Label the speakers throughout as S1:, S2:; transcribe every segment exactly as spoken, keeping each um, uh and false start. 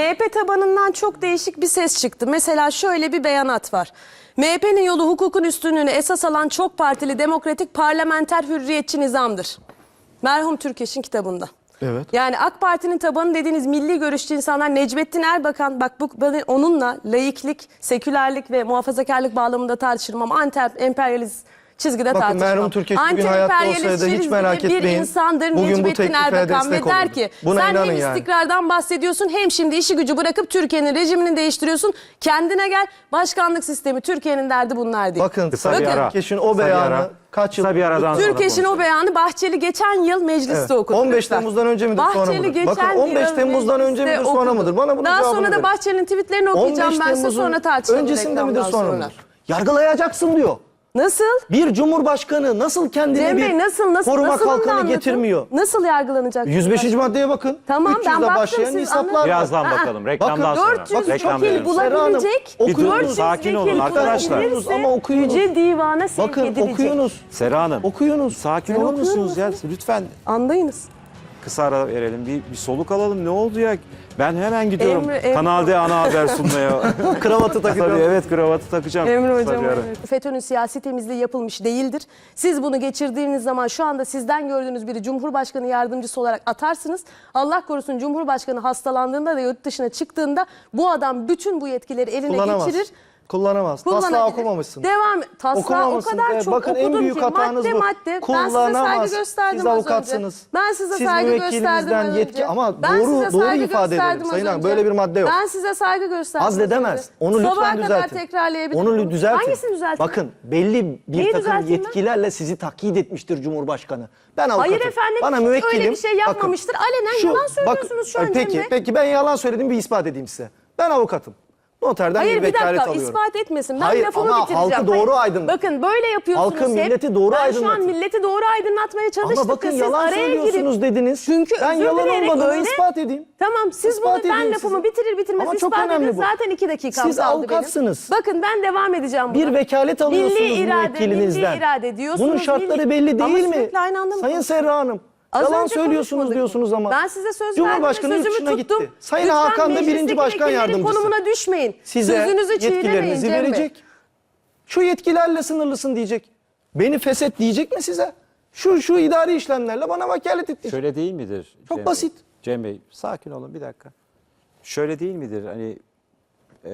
S1: M H P tabanından çok değişik bir ses çıktı. Mesela şöyle bir beyanat var. M H P'nin yolu hukukun üstünlüğünü esas alan çok partili demokratik parlamenter hürriyetçi nizamdır. Merhum Türkeş'in kitabında.
S2: Evet.
S1: Yani AK Parti'nin tabanı dediğiniz milli görüşçü insanlar, Necmettin Erbakan, bak bu ben onunla laiklik, sekülerlik ve muhafazakarlık bağlamında tartışırım ama anti-emperyalist çizgide
S2: Bakın
S1: tartışmam.
S2: merhum Türkeş bugün hayatta olsaydı hiç merak
S1: bir
S2: etmeyin.
S1: insandır
S2: Bugün bu
S1: Necmettin
S2: teklife
S1: Erbakan ve
S2: destek
S1: der
S2: olurdu.
S1: ki
S2: Buna
S1: sen
S2: inanın
S1: hem
S2: yani.
S1: istikrardan bahsediyorsun hem şimdi işi gücü bırakıp Türkiye'nin rejimini değiştiriyorsun. Kendine gel, başkanlık sistemi Türkiye'nin derdi bunlar değil.
S2: Bakın
S3: Kısa bir
S2: Sayın
S3: ara.
S2: Türkeş'in o
S3: Kısa bir
S2: beyanı
S3: ara.
S2: kaç yıl...
S3: Kısa bir aradan sonra
S1: Türkeş'in o
S3: konuşalım.
S1: beyanı Bahçeli geçen yıl mecliste
S2: Evet.
S1: okudu.
S2: on beş
S1: lütfen.
S2: Temmuz'dan önce midir sonra
S1: Bahçeli
S2: mıdır?
S1: geçen
S2: Bakın on beş
S1: yıl
S2: Temmuz'dan önce
S1: mecliste
S2: midir sonra
S1: okudu.
S2: mıdır? Bana bunun
S1: Daha
S2: cevabını
S1: sonra da
S2: verin.
S1: Bahçeli'nin tweetlerini okuyacağım, ben size sonra tartışalım.
S2: öncesinde midir
S1: reklamdan
S2: sonra mıdır? Yargılayacaksın diyor.
S1: Nasıl?
S2: Bir cumhurbaşkanı nasıl kendine
S1: Cem
S2: bir
S1: Bey nasıl nasıl
S2: koruma
S1: nasıl onu da
S2: kalkanı
S1: anlatın.
S2: getirmiyor?
S1: Nasıl yargılanacak?
S2: yüz beşinci maddeye bakın.
S1: Tamam, ben
S2: üç yüzle
S1: baktım,
S2: başlayan
S1: siz
S2: nisaplar
S1: anladınız.
S2: var.
S3: Birazdan
S1: Aa,
S3: bakalım. Reklamdan
S2: bakın,
S3: sonra.
S1: dört yüz
S3: Bak, reklam
S1: vekil
S3: verelim.
S1: bulabilecek,
S2: Bir durun,
S1: dört yüz
S3: sakin olun
S1: vekil
S3: arkadaşlar.
S1: bulabilirse
S2: Okuyunuz ama okuyunuz.
S1: Yüce Divan'a sevk
S2: Bakın
S1: edilecek.
S2: okuyunuz.
S3: Sera Hanım.
S2: Okuyunuz.
S3: Sakin
S1: Ben
S3: olur
S1: okuyorum
S3: musunuz ya? Lütfen
S1: Andayınız.
S3: kısa ara verelim. Bir, bir soluk alalım. Ne oldu ya? Ben hemen gidiyorum.
S1: Emre- Emre-
S3: Kanal D ana haber sunmaya.
S2: Kravatı
S3: Tabii
S2: takacağım.
S3: evet, kravatı takacağım.
S1: Emre
S3: Kısa
S1: Hocam,
S3: bir ara.
S1: evet. FETÖ'nün siyasi temizliği yapılmış değildir. Siz bunu geçirdiğiniz zaman şu anda sizden gördüğünüz biri Cumhurbaşkanı yardımcısı olarak atarsınız. Allah korusun Cumhurbaşkanı hastalandığında da yurt dışına çıktığında bu adam bütün bu yetkileri eline
S2: Kullanamaz.
S1: geçirir.
S2: Kullanamaz. Taslağı
S1: Kullanabilir.
S2: okumamışsın.
S1: Devam. Taslağı o
S2: Okumamışsın.
S1: kadar
S2: Evet,
S1: çok
S2: bakın en
S1: okudum
S2: büyük
S1: ki
S2: hatanız
S1: madde
S2: bu.
S1: madde. Ben size
S2: Kullanamaz.
S1: saygı gösterdim
S2: Siz
S1: az
S2: avukatsınız.
S1: önce. Ben size
S2: Siz
S1: saygı
S2: müvekkilinizden
S1: gösterdim az
S2: yetki-
S1: önce.
S2: ama
S1: Ben
S2: doğru-
S1: size
S2: doğru
S1: saygı
S2: ifade edelim.
S1: gösterdim az
S2: Sayın Hanım,
S1: önce.
S2: böyle bir madde yok.
S1: Ben size saygı gösterdim az
S2: Azledemez.
S1: önce.
S2: Onu lütfen
S1: Sabaha
S2: düzeltin.
S1: kadar tekrarlayabilirim.
S2: Onu düzeltin.
S1: Hangisini düzeltin?
S2: Bakın belli bir
S1: Neyi
S2: takım
S1: düzelteyim ben?
S2: yetkilerle sizi takyit etmiştir Cumhurbaşkanı. Ben avukatım.
S1: Hayır efendim,
S2: Bana
S1: hiç
S2: müvekkilim.
S1: öyle bir şey yapmamıştır. Alenen yalan söylüyorsunuz şu an Cem
S2: Peki,
S1: Bey.
S2: peki ben yalan söyledim, bir ispat edeyim size. Ben avukatım. Noterden
S1: Hayır
S2: bir
S1: bir
S2: vekalet
S1: dakika
S2: alıyorum.
S1: ispat etmesin. Ben
S2: Hayır,
S1: lafımı
S2: ama
S1: bitireceğim.
S2: halkı doğru
S1: Hayır.
S2: aydınlat.
S1: Bakın böyle yapıyorsunuz
S2: Halkı,
S1: hep.
S2: milleti doğru
S1: Ben şu an
S2: aydınlatın.
S1: milleti doğru aydınlatmaya çalıştık.
S2: Ama bakın
S1: da siz
S2: yalan
S1: araya
S2: söylüyorsunuz
S1: girip-
S2: dediniz.
S1: Çünkü
S2: ben
S1: özür
S2: yalan
S1: dileyerek
S2: olmadığını
S1: öyle-
S2: ispat edeyim.
S1: Tamam siz
S2: İspat
S1: bunu ben
S2: edeyim
S1: lafımı
S2: size.
S1: bitirir bitirmez
S2: Ama çok
S1: ispat edin.
S2: önemli bu.
S1: Zaten iki dakikam
S2: Siz
S1: kaldı
S2: avukatsınız.
S1: benim. Bakın ben devam edeceğim buna.
S2: Bir vekalet alıyorsunuz
S1: milli irade,
S2: müvekkilinizden.
S1: Milli irade diyorsunuz.
S2: Bunun şartları
S1: milli-
S2: belli
S1: Ama
S2: değil mi?
S1: sürekli aynı anda mı
S2: Sayın
S1: konuşuyorsunuz?
S2: Serra Hanım.
S1: Az
S2: Yalan
S1: önce
S2: söylüyorsunuz
S1: konuşmadık mı?
S2: diyorsunuz ama.
S1: Ben size söz
S2: Cumhurbaşkanı
S1: verdim ve
S2: yurt
S1: sözümü
S2: dışına
S1: tuttum.
S2: gitti. Sayın
S1: Lütfen
S2: Hakan da birinci
S1: meclisteki
S2: başkan
S1: vekillerin
S2: yardımcısı.
S1: konumuna düşmeyin.
S2: Size
S1: Sözünüzü çiğnemeyin
S2: yetkilerinizi
S1: Cem Bey.
S2: verecek. Şu yetkilerle sınırlısın diyecek. Beni feshet diyecek mi size? Şu şu idari işlemlerle bana vekalet ettik.
S3: Şöyle değil midir?
S2: Çok
S3: Cem
S2: basit.
S3: Bey? Cem Bey sakin olun bir dakika. Şöyle değil midir? Hani e,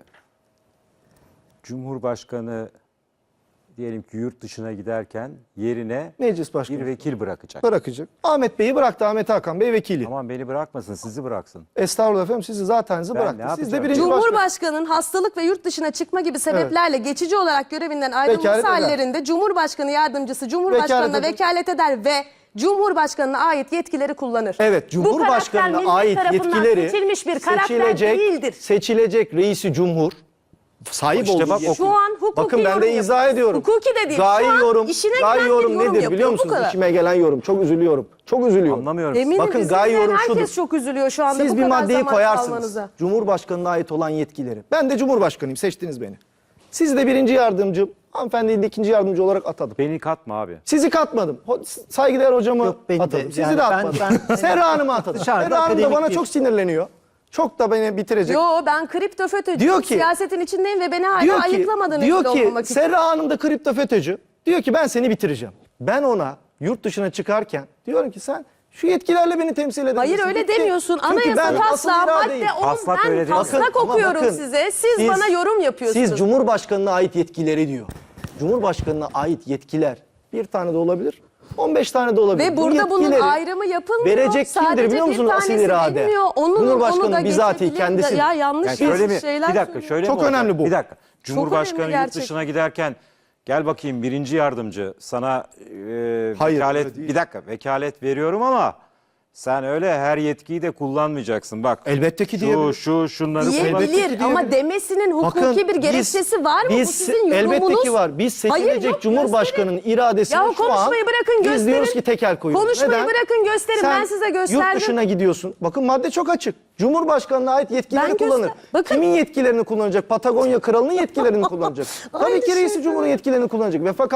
S3: Cumhurbaşkanı diyelim ki yurt dışına giderken yerine
S2: Meclis başkanı
S3: bir vekil bırakacak.
S2: bırakacak. Ahmet Bey'i bıraktı. Ahmet Hakan Bey vekili.
S3: Aman beni bırakmasın, sizi bıraksın.
S2: Estağfurullah efendim, sizi zaten
S3: Ben
S2: bıraktı.
S3: ne
S2: Siz de
S3: yapacağım?
S2: birinci başkan.
S1: Cumhurbaşkanının hastalık ve yurt dışına çıkma gibi sebeplerle geçici olarak görevinden ayrılması
S2: Vekalet eder.
S1: hallerinde Cumhurbaşkanı yardımcısı Cumhurbaşkanına
S2: Vekalet
S1: vekalet eder ve Cumhurbaşkanına ait yetkileri kullanır.
S2: Evet,
S1: Bu
S2: Cumhurbaşkanına
S1: karakter
S2: ait
S1: millet tarafından
S2: yetkileri
S1: seçilmiş bir karakter
S2: seçilecek,
S1: değildir.
S2: seçilecek reisi cumhur sahip
S3: İşte
S2: olduğu
S3: bak,
S2: yetki-
S1: Şu an hukuki
S2: Bakın ben
S1: yorum
S2: de izah
S1: yapıyoruz.
S2: ediyorum.
S1: Hukuki de değil.
S2: Gayi
S1: Şu an
S2: yorum,
S1: işine
S2: gayi
S1: gelen bir
S2: yorum
S1: yorum
S2: nedir
S1: yapıyor.
S2: biliyor
S1: Bu
S2: musunuz?
S1: kadar.
S2: İşime gelen yorum. Çok üzülüyorum. Çok üzülüyorum.
S3: Anlamıyorum.
S1: Eminim
S2: Bakın,
S1: sizin
S2: gayi yorum
S1: herkes
S2: şudur.
S1: çok üzülüyor şu anda
S2: Siz
S1: bu
S2: bir
S1: kadar
S2: maddeyi
S1: zaman
S2: koyarsınız.
S1: kalmanıza.
S2: Cumhurbaşkanına ait olan yetkileri. Ben de Cumhurbaşkanıyım. Seçtiniz beni. Sizi de birinci yardımcı, hanımefendiyi de ikinci yardımcı olarak atadım.
S3: Beni katma abi.
S2: Sizi katmadım. Ho- Saygıdeğer hocamı
S4: Yok, beni de.
S2: atadım. Sizi
S4: Yani
S2: de
S4: ben-
S2: atmadım.
S4: ben-
S2: Serra Hanım'ı atadım.
S4: Dışarıda
S2: Serra Hanım da
S4: akademik
S2: bana
S4: bir-
S2: çok sinirleniyor. Çok da beni bitirecek.
S1: Yo ben kripto FETÖ'cüyüm.
S2: Diyor ki-
S1: Siyasetin içindeyim ve beni hala
S2: diyor ki,
S1: ayıklamadınız
S2: diyor
S1: bile
S2: ki
S1: olmamak için.
S2: Serra Hanım da kripto FETÖ'cü. Diyor ki ben seni bitireceğim. Ben ona yurt dışına çıkarken diyorum ki sen şu yetkilerle beni temsil edebilirsin.
S1: Hayır öyle
S2: Bitti.
S1: demiyorsun.
S2: Çünkü
S1: Anayasa
S2: ben asıl
S1: taslağı
S2: iradeyim.
S1: madde on
S3: Taslak öyle
S1: ben
S3: değil.
S1: taslak
S2: Bakın, ama
S1: okuyorum
S2: bakın,
S1: size. Siz,
S2: siz-
S1: bana yorum yapıyorsunuz.
S2: Siz Cumhurbaşkanına ait yetkileri diyor. Cumhurbaşkanına ait yetkiler bir tane de olabilir. on beş tane de olabilir.
S1: Ve
S2: Bu
S1: burada bunun
S2: yetkileri
S1: ayrımı yapılmıyor.
S2: verecek kimdir
S1: Sadece
S2: biliyor
S1: bir
S2: musunuz asil
S1: tanesi
S2: irade?
S1: bilmiyor. Onun, onu
S2: Cumhurbaşkanı
S1: da
S2: bizatihi
S1: geçebilir.
S2: kendisi.
S1: Ya yanlış
S3: Yani şöyle mi?
S1: şeyler
S3: Bir dakika
S1: söylüyor.
S3: şöyle
S2: Çok
S3: mi olacak?
S2: önemli bu.
S3: Bir dakika. Cumhurbaşkanı
S1: önemli
S3: yurt
S1: gerçek.
S3: dışına giderken gel bakayım birinci yardımcı sana e,
S2: Hayır,
S3: vekalet
S2: öyle değil.
S3: bir dakika vekalet veriyorum ama sen öyle her yetkiyi de kullanmayacaksın. Bak.
S2: Elbette ki
S3: şu
S2: diyebilir.
S3: şu şunları kullan.
S1: Diyebilir ama
S2: diyebilir.
S1: demesinin hukuki
S2: Bakın,
S1: bir gerekçesi var mı?
S2: Biz,
S1: Bu sizin yorumunuz.
S2: elbette ki var. Biz
S1: Hayır,
S2: seçilecek
S1: yok,
S2: Cumhurbaşkanı'nın
S1: gösterin.
S2: iradesini
S1: Ya
S2: şu an
S1: konuşmayı bırakın
S2: biz
S1: gösterin.
S2: diyoruz ki tekel koyuyoruz.
S1: Konuşmayı
S2: Neden?
S1: bırakın gösterin.
S2: Sen
S1: Ben size gösterdim.
S2: yurt dışına gidiyorsun. Bakın madde çok açık. Cumhurbaşkanına ait yetkileri
S1: Ben göster-
S2: kullanır.
S1: Bakın.
S2: Kimin yetkilerini kullanacak? Patagonya Kralının yetkilerini kullanacak. Tabii
S1: Aynı
S2: ki reisi
S1: şey
S2: cumhurun yetkilerini kullanacak. Ve fakat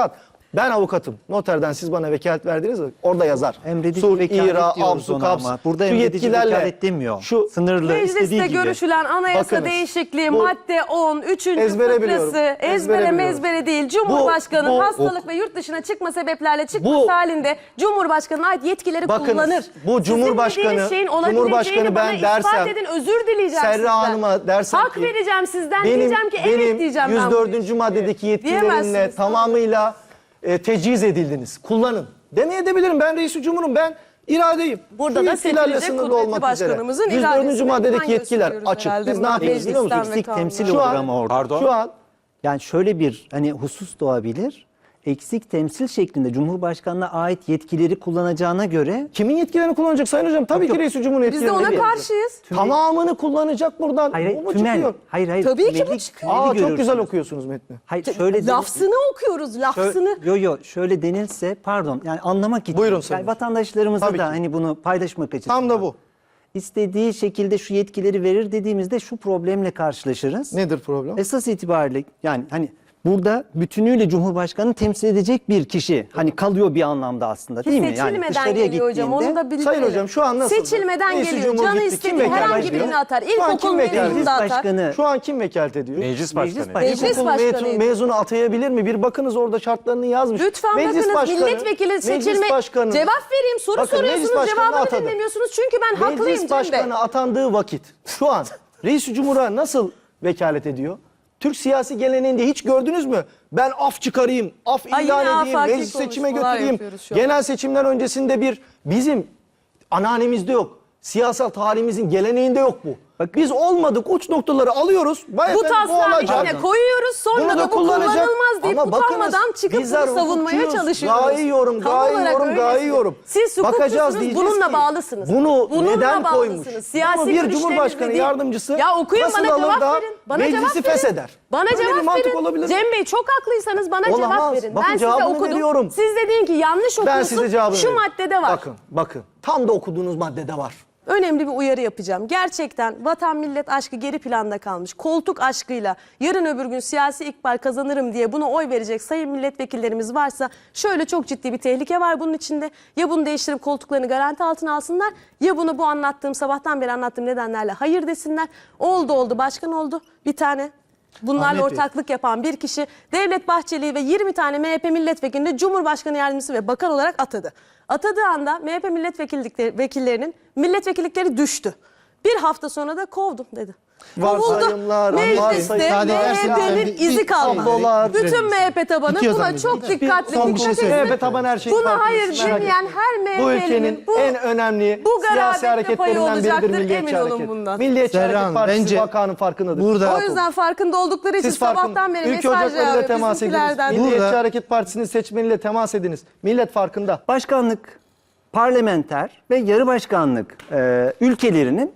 S2: Ben avukatım. Noterden siz bana vekalet verdiniz mi? Orada yazar.
S4: Emredici
S2: Sul,
S4: vekalet
S2: ira,
S4: diyoruz
S2: absu,
S4: ona
S2: kaps.
S4: ama. Burada
S2: Şu
S4: emredici
S2: yetkilerle-
S4: vekalet demiyor.
S2: Şu
S4: Sınırlı istediği
S1: Mecliste
S4: gibi.
S1: görüşülen anayasa
S2: Bakınız,
S1: değişikliği
S2: bu-
S1: madde on, üçüncü
S2: Ezbere biliyorum,
S1: fıkrası, ezbere
S2: ezbere biliyorum.
S1: mezbere değil. Cumhurbaşkanı
S2: Bu- bu-
S1: hastalık ve yurt dışına çıkma sebeplerle çıkması
S2: Bu-
S1: halinde Cumhurbaşkanı'na ait yetkileri
S2: Bakınız,
S1: kullanır.
S2: bu
S1: Sizin
S2: Cumhurbaşkanı-
S1: dediğiniz şeyin olabileceğini
S2: Cumhurbaşkanı
S1: bana
S2: ben
S1: ispat
S2: dersem,
S1: edin, özür dileyeceğim
S2: Serra
S1: sizden.
S2: Hanım'a dersem
S1: Hak
S2: ki,
S1: vereceğim sizden,
S2: Benim,
S1: diyeceğim ki evet
S2: benim
S1: diyeceğim ben
S2: yüz
S1: bu
S2: dördüncü
S1: ilişkiye.
S2: maddedeki yetkilerinle
S1: Diyemezsiniz.
S2: tamamıyla e, teciz edildiniz. Kullanın. Demeyebilirim. Ben reis-i cumurum. Ben iradeyim.
S1: Burada
S2: Şu
S1: da
S2: yetkilerle
S1: seçilecek
S2: sınırlı
S1: kudretli
S2: olmak üzere.
S1: başkanımızın
S2: yüz dördüncü
S1: iradesine
S2: maddedeki
S1: güven
S2: yetkiler
S1: gösteriyoruz
S2: açık.
S1: herhalde.
S2: Biz ne yapıyoruz biliyor musunuz?
S1: Meclisten ve
S4: Eksik temsil
S1: kanundan.
S2: Şu
S4: olur
S2: an-
S4: ama orada.
S3: Pardon.
S2: Şu an
S4: Yani şöyle bir hani husus doğabilir. Eksik temsil şeklinde Cumhurbaşkanı'na ait yetkileri kullanacağına göre
S2: kimin yetkilerini kullanacak Sayın Hocam? Tabii ki reis-i cumhurun
S1: Biz de
S2: yetkilerini
S1: ona
S2: kullanacak.
S1: karşıyız.
S2: Tamamını kullanacak buradan.
S4: hayır,
S2: Bu mu
S4: tümel.
S2: çıkıyor?
S4: Hayır hayır.
S1: Tabii ki bu
S4: tümeli-
S1: çıkıyor.
S4: tümeli
S2: Aa, çok
S4: görürsünüz.
S2: güzel okuyorsunuz metni.
S4: Hayır şöyle
S1: Lafzını okuyoruz, lafzını.
S4: Yo yo şöyle denilse pardon yani anlamak için.
S2: Buyurun Sayın
S4: yani
S2: Hocam.
S4: vatandaşlarımıza
S2: Tabii
S4: da
S2: ki.
S4: hani bunu paylaşmak açısından.
S2: Tam da bu.
S4: İstediği şekilde şu yetkileri verir dediğimizde şu problemle karşılaşırız.
S2: Nedir problem?
S4: Esas itibariyle yani hani burada bütünüyle Cumhurbaşkanı'nı temsil edecek bir kişi hani kalıyor bir anlamda aslında değil mi? Yani
S1: Seçilmeden
S4: dışarıya
S1: geliyor hocam.
S4: gittiğinde-
S1: Onu da bildirelim.
S2: Sayın Hocam şu an nasıl?
S1: Seçilmeden
S2: Reis-i
S1: geliyor.
S2: Cumhur
S1: Canı
S2: gitti. Kim
S1: istediği
S2: vekalet
S1: herhangi
S2: ediyor?
S1: birini atar.
S2: Şu an
S1: İlkokul
S2: kim vekalet
S1: mezununu
S2: ediyor?
S1: da atar.
S4: Başkanı
S2: Şu an kim vekalet ediyor?
S3: Meclis
S4: Meclis
S3: başkanı.
S4: başkanı.
S1: Meclis
S2: İlkokul
S1: başkanıydı.
S2: mezun, mezunu atayabilir mi? Bir bakınız orada şartlarını yazmış.
S1: Lütfen
S2: Meclis
S1: bakınız
S2: başkanı-
S1: milletvekili
S2: meclis
S1: seçilme
S2: başkanı-
S1: cevap vereyim soru
S2: Bakın,
S1: soruyorsunuz
S2: meclis başkanı
S1: cevabını
S2: atadı.
S1: dinlemiyorsunuz çünkü ben haklıyım
S2: Meclis
S1: Cem Bey.
S2: başkanı atandığı vakit şu an Reis-i Cumhur'a nasıl vekalet ediyor? Türk siyasi geleneğinde hiç gördünüz mü? Ben af çıkarayım, af
S1: Ay,
S2: ilan
S1: yine
S2: edeyim,
S1: afaki
S2: meclis seçime
S1: konuşmalar
S2: götüreyim.
S1: yapıyoruz şu an.
S2: Genel seçimler öncesinde bir bizim ananemizde yok. Siyasal tarihimizin geleneğinde yok bu. Bak biz olmadık uç noktaları alıyoruz. Vay
S1: Bu
S2: efendim,
S1: taslağın
S2: olacak.
S1: içine koyuyoruz sonra
S2: Bunu
S1: da, bu
S2: kullanacak.
S1: kullanılmaz deyip
S2: Ama bakınız,
S1: utanmadan çıkıp
S2: bizler
S1: bunu savunmaya
S2: hukukçuyuz.
S1: çalışıyoruz.
S2: Gayıyorum,
S1: Tam olarak
S2: gayıyorum,
S1: öylesiniz.
S2: gayıyorum.
S1: Siz
S2: Bakacağız
S1: hukukçusunuz,
S2: diyeceğiz
S1: bununla
S2: ki,
S1: bağlısınız.
S2: Bunu
S1: Bununla
S2: neden koymuş?
S1: bağlısınız. Siyasi
S2: Bunu bir
S1: görüşleriniz
S2: Cumhurbaşkanı
S1: değil.
S2: yardımcısı
S1: Ya okuyun
S2: nasıl
S1: bana
S2: alır
S1: cevap
S2: da
S1: verin. Bana
S2: meclisi
S1: cevap verin.
S2: fesheder?
S1: Bana
S2: Böyle bir
S1: cevap
S2: mantık
S1: verin.
S2: olabilir mi?
S1: Cem Bey çok haklıysanız bana cevap
S2: Olamaz.
S1: verin.
S2: Bakın
S1: ben size
S2: cevabını
S1: okudum.
S2: veriyorum.
S1: Siz de deyin ki yanlış
S2: Ben
S1: okuyorsun.
S2: size cevabını
S1: Şu
S2: veriyorum.
S1: maddede var.
S2: Bakın, bakın. Tam da okuduğunuz maddede var.
S1: Önemli bir uyarı yapacağım. Gerçekten vatan millet aşkı geri planda kalmış. Koltuk aşkıyla yarın öbür gün siyasi ikbal kazanırım diye buna oy verecek sayın milletvekillerimiz varsa şöyle çok ciddi bir tehlike var bunun içinde. Ya bunu değiştirip koltuklarını garanti altına alsınlar ya bunu bu anlattığım sabahtan beri anlattığım nedenlerle hayır desinler. Oldu oldu başkan oldu bir tane. Bunlarla
S2: Ahmet Bey.
S1: ortaklık yapan bir kişi Devlet Bahçeli'yi ve yirmi tane M H P milletvekilini Cumhurbaşkanı yardımcısı ve bakan olarak atadı. Atadığı anda M H P milletvekilliklerinin milletvekillikleri düştü. Bir hafta sonra da kovdum dedi. Kovuldu.
S2: Varsayımlar,
S1: Mecliste
S2: varsayımlar.
S1: M H P'nin
S2: Bir-
S1: izi kalmadı.
S2: tablolar.
S1: Bütün M H P tabanı
S5: Bitiyor
S1: buna
S5: zannediyorum.
S1: çok dikkatli
S5: son bir
S1: dikkat
S5: şey
S1: etsin.
S2: M H P taban her şeyi
S1: Buna
S2: farklı.
S1: hayır
S2: Merak
S1: demeyen
S2: etmeyin.
S1: her
S2: Bu
S1: M H P'linin
S2: ülkenin en önemli
S1: bu
S2: siyasi
S1: garabette payı
S2: hareketlerinden
S1: olacaktır,
S2: biridir Milliyetçi
S1: emin olun
S2: Hareket.
S1: bundan.
S2: Milliyetçi
S5: Serra
S2: Hareket
S5: Hanım,
S2: Partisi
S5: bence
S2: vakanın farkındadır.
S5: burada-
S1: O yüzden farkında oldukları için
S2: Siz farkın,
S1: sabahtan beri
S2: ülke
S1: mesaj
S2: ocaklarıyla
S1: yağıyor
S2: temas ediniz.
S1: bizimkilerden.
S2: Milliyetçi
S5: Burada-
S2: Hareket Partisi'nin seçmeniyle temas ediniz. Millet farkında.
S4: başkanlık, parlamenter ve yarı başkanlık e, ülkelerinin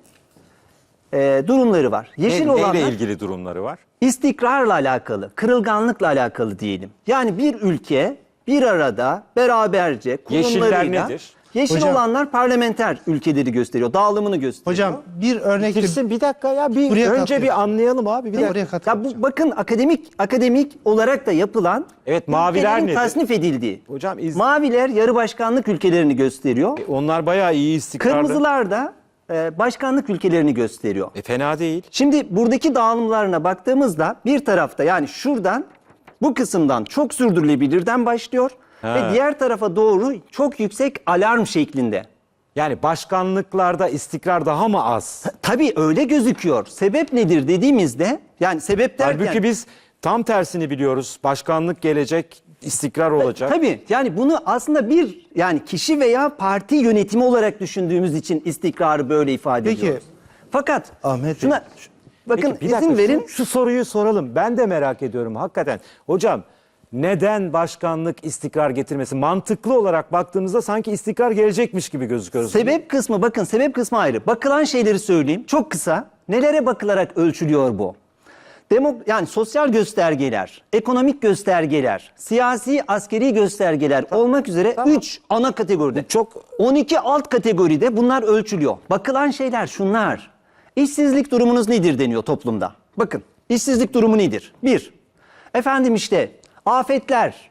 S4: e, durumları var. Yeşil
S3: Ne,
S4: olanlar
S3: neyle ilgili durumları var?
S4: istikrarla alakalı, kırılganlıkla alakalı diyelim. Yani bir ülke bir arada beraberce
S3: Yeşiller
S4: kurumlarıyla
S3: nedir?
S4: yeşil
S5: Hocam-
S4: olanlar parlamenter ülkeleri gösteriyor, dağılımını gösteriyor.
S5: Hocam bir örnek
S3: Bitirsin bir dakika ya bir
S5: Buraya
S3: önce
S5: katılıyorum.
S3: bir anlayalım abi bir
S5: Bir
S3: dakika.
S5: oraya
S4: Ya
S5: katılacağım.
S4: bu bakın akademik akademik olarak da yapılan
S3: Evet, maviler
S4: ülkelerin
S3: nedir?
S4: tasnif edildiği.
S3: Hocam iz-
S4: Maviler yarı başkanlık ülkelerini gösteriyor.
S3: Onlar bayağı iyi istikrarlı.
S4: Kırmızılar da e, başkanlık ülkelerini gösteriyor.
S3: E, fena değil.
S4: Şimdi buradaki dağılımlarına baktığımızda bir tarafta yani şuradan bu kısımdan çok sürdürülebilirden başlıyor
S3: Ha.
S4: ve diğer tarafa doğru çok yüksek alarm şeklinde.
S3: Yani başkanlıklarda istikrar daha mı az?
S4: Tabii öyle gözüküyor. Sebep nedir dediğimizde yani sebep derken
S3: Halbuki biz tam tersini biliyoruz. Başkanlık gelecek, istikrar olacak.
S4: tabii yani bunu aslında bir yani kişi veya parti yönetimi olarak düşündüğümüz için istikrarı böyle ifade
S5: Peki,
S4: ediyoruz. Fakat
S5: Ahmet Bey,
S4: şuna şu- bakın
S3: Peki, bir dakika,
S4: izin verin.
S3: Şu, şu soruyu soralım. Ben de merak ediyorum hakikaten. Hocam neden başkanlık istikrar getirmesi? Mantıklı olarak baktığımızda sanki istikrar gelecekmiş gibi gözüküyor.
S4: Sebep kısmı bakın sebep kısmı ayrı. Bakılan şeyleri söyleyeyim çok kısa. Nelere bakılarak ölçülüyor bu? Demo, yani sosyal göstergeler, ekonomik göstergeler, siyasi askeri göstergeler olmak üzere üç ana kategoride.
S3: Çok
S4: on iki alt kategoride bunlar ölçülüyor. Bakılan şeyler şunlar. İşsizlik durumunuz nedir deniyor toplumda. Bakın işsizlik durumu nedir? Bir, efendim işte afetler,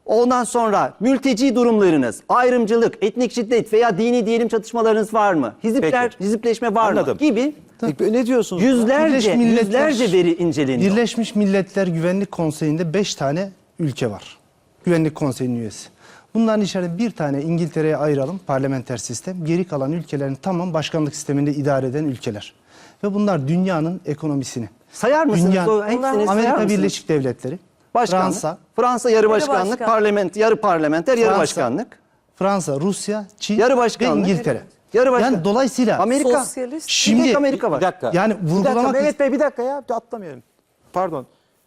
S4: Ondan sonra mülteci durumlarınız, ayrımcılık, etnik şiddet veya dini diyelim çatışmalarınız var mı? Hizipler,
S3: Peki.
S4: hizipleşme var
S3: Anladım.
S4: mı? Gibi
S3: Peki, ne diyorsunuz?
S4: yüzlerce,
S5: Birleşmiş Milletler-
S4: yüzlerce veri inceleniyor.
S5: Birleşmiş Milletler Güvenlik Konseyi'nde beş tane ülke var. Güvenlik Konseyi'nin üyesi. Bunların içerisinde bir tane İngiltere'ye ayıralım, parlamenter sistem. Geri kalan ülkelerin tamam başkanlık sisteminde idare eden ülkeler. Ve bunlar dünyanın ekonomisini.
S4: Sayar mısınız
S5: Dünya-
S4: o hepsini sayar
S5: Amerika
S4: mısınız?
S5: Birleşik Devletleri,
S4: Başkanlık.
S5: Fransa,
S4: Fransa yarı başkanlık,
S1: başkan.
S4: parlament, yarı parlamenter, yarı
S5: Fransa,
S4: başkanlık.
S5: Fransa, Rusya, Çin
S4: Yarı
S5: ve
S4: başkanlık.
S5: İngiltere.
S4: Yarı başkan-
S5: Yani dolayısıyla
S4: Amerika.
S1: Sosyalist.
S5: Şimdi-
S4: Bir tek Amerika var.
S3: Bir dakika.
S5: Yani
S3: Bir dakika
S5: vurgulamak-
S3: Mehmet Bey bir dakika ya atlamayalım. Pardon.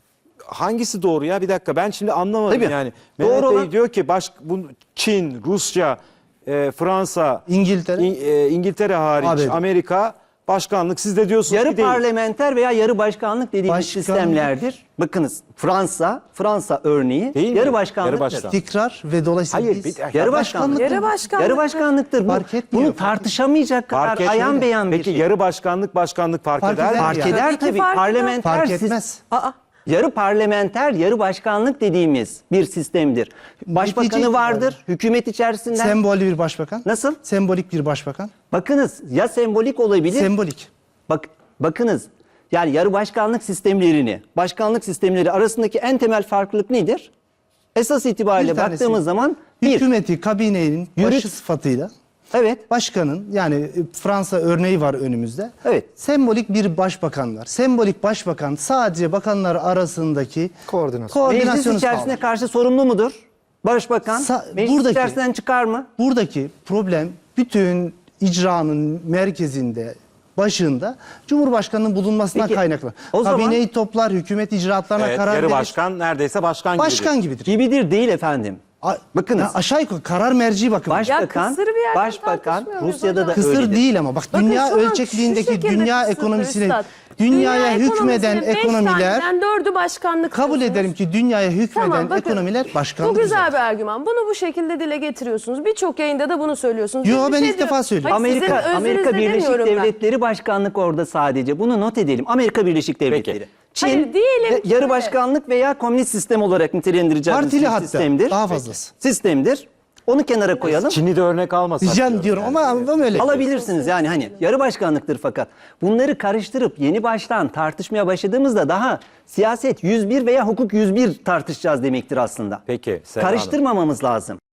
S3: Hangisi doğru ya bir dakika ben şimdi anlamadım
S4: Tabii.
S3: yani.
S4: Doğru
S3: Mehmet Bey
S4: olan-
S3: diyor ki baş, bu, Çin, Rusya, e, Fransa,
S5: İngiltere.
S3: İng- e, İngiltere hariç
S5: A B D.
S3: Amerika başkanlık siz de diyorsunuz
S4: Yarı
S3: ki değil.
S4: parlamenter veya yarı başkanlık dediğimiz
S5: Başkanlık.
S4: sistemlerdir. Bakınız Fransa, Fransa örneği
S3: Değil mi?
S4: yarı başkanlıktır.
S3: Yarı başkan.
S5: İstikrar ve dolayısıyla
S3: Hayır,
S5: biz-
S3: bir dakika.
S4: Yarı başkanlık.
S1: Yarı başkanlık.
S4: Yarı başkanlıktır. Bu,
S5: Fark etmiyor.
S4: bunu tartışamayacak kadar
S3: Fark etmiyor.
S4: ayan beyan bir
S3: Peki
S4: şey.
S3: yarı başkanlık başkanlık fark,
S5: Fark
S3: eder mi?
S5: eder
S4: Fark
S5: yani.
S4: eder
S1: Tabii ki
S4: tabii.
S1: fark eder.
S4: Parlamenter
S5: fark
S4: sis-
S5: etmez.
S1: Aa,
S4: Yarı parlamenter, yarı başkanlık dediğimiz bir sistemdir. Başbakanı
S5: Bitecek
S4: vardır, hükümet içerisinden.
S5: Sembolik bir başbakan.
S4: Nasıl?
S5: Sembolik bir başbakan.
S4: Bakınız ya sembolik olabilir.
S5: Sembolik.
S4: Bak bakınız yani yarı başkanlık sistemlerini, başkanlık sistemleri arasındaki en temel farklılık nedir? Esas itibariyle
S5: Bir tanesi,
S4: baktığımız zaman bir,
S5: Hükümeti, kabinenin
S4: Yürüt-
S5: başı sıfatıyla
S4: evet,
S5: başkanın yani e, Fransa örneği var önümüzde.
S4: Evet.
S5: Sembolik bir başbakan var. Sembolik başbakan sadece bakanlar arasındaki
S2: Koordinasyon.
S4: meclis
S5: koordinasyonu
S4: içerisine
S5: sağlar.
S4: karşı sorumlu mudur? Başbakan
S5: Sa-
S4: meclis
S5: buradaki-
S4: içerisinden çıkar mı?
S5: Buradaki problem bütün icranın merkezinde, başında Cumhurbaşkanı'nın bulunmasından
S4: Peki,
S5: kaynaklı.
S4: o zaman-
S5: Kabineyi toplar, hükümet icraatlarına
S3: Evet,
S5: karar
S3: yarı
S5: verir.
S3: başkan neredeyse başkan, gibidir.
S5: Başkan gibidir.
S4: Gibidir değil efendim.
S5: A-
S4: Bakınız.
S5: ya aşağı yukarı karar merci bakımı.
S4: Başbakan,
S1: kısır bir yerden
S4: başbakan
S1: tartışmıyor muyuz
S4: Rusya'da da
S1: hocam?
S5: Kısır
S4: öyledir.
S5: değil ama bak
S1: Bakın
S5: dünya
S1: şu an şu
S5: ölçekliğindeki
S1: şekilde
S5: dünya
S1: kısırdır
S5: ekonomisini
S1: üstad.
S5: dünyaya
S1: Dünya
S5: hükmeden
S1: ekonomisinin beş
S5: ekonomiler
S1: taneden dördü başkanlık
S5: kabul
S1: diyorsunuz.
S5: ederim ki dünyaya hükmeden
S1: Tamam, bakın,
S5: ekonomiler başkanlık
S1: Bu güzel
S5: üzerine.
S1: bir argüman. Bunu bu şekilde dile getiriyorsunuz. Birçok yayında da bunu söylüyorsunuz.
S5: Yo,
S1: Bir
S5: ben
S1: şey
S5: ilk defa
S1: diyorum.
S5: söylüyorum.
S1: Hayır, sizin
S4: Amerika Amerika
S1: özünüzde
S4: Birleşik
S1: demiyorum ben.
S4: Devletleri başkanlık orada sadece. Bunu not edelim. Amerika Birleşik Devletleri.
S3: Peki.
S4: Çin
S1: Hayır, diyelim
S4: ve
S1: ki
S4: yarı
S1: öyle.
S4: başkanlık veya komünist sistem olarak nitelendireceğimiz
S5: Partili
S4: bir
S5: hatta,
S4: sistemdir.
S5: daha fazlası.
S4: Sistemdir. Onu kenara koyalım.
S3: Çin'i de örnek almasak.
S5: Diyeceğim diyorum ama, ama öyle.
S4: Alabilirsiniz yani hani yarı başkanlıktır fakat bunları karıştırıp yeni baştan tartışmaya başladığımızda daha siyaset yüz bir veya hukuk yüz bir tartışacağız demektir aslında.
S3: Peki, Serra Hanım.
S4: Karıştırmamamız lazım.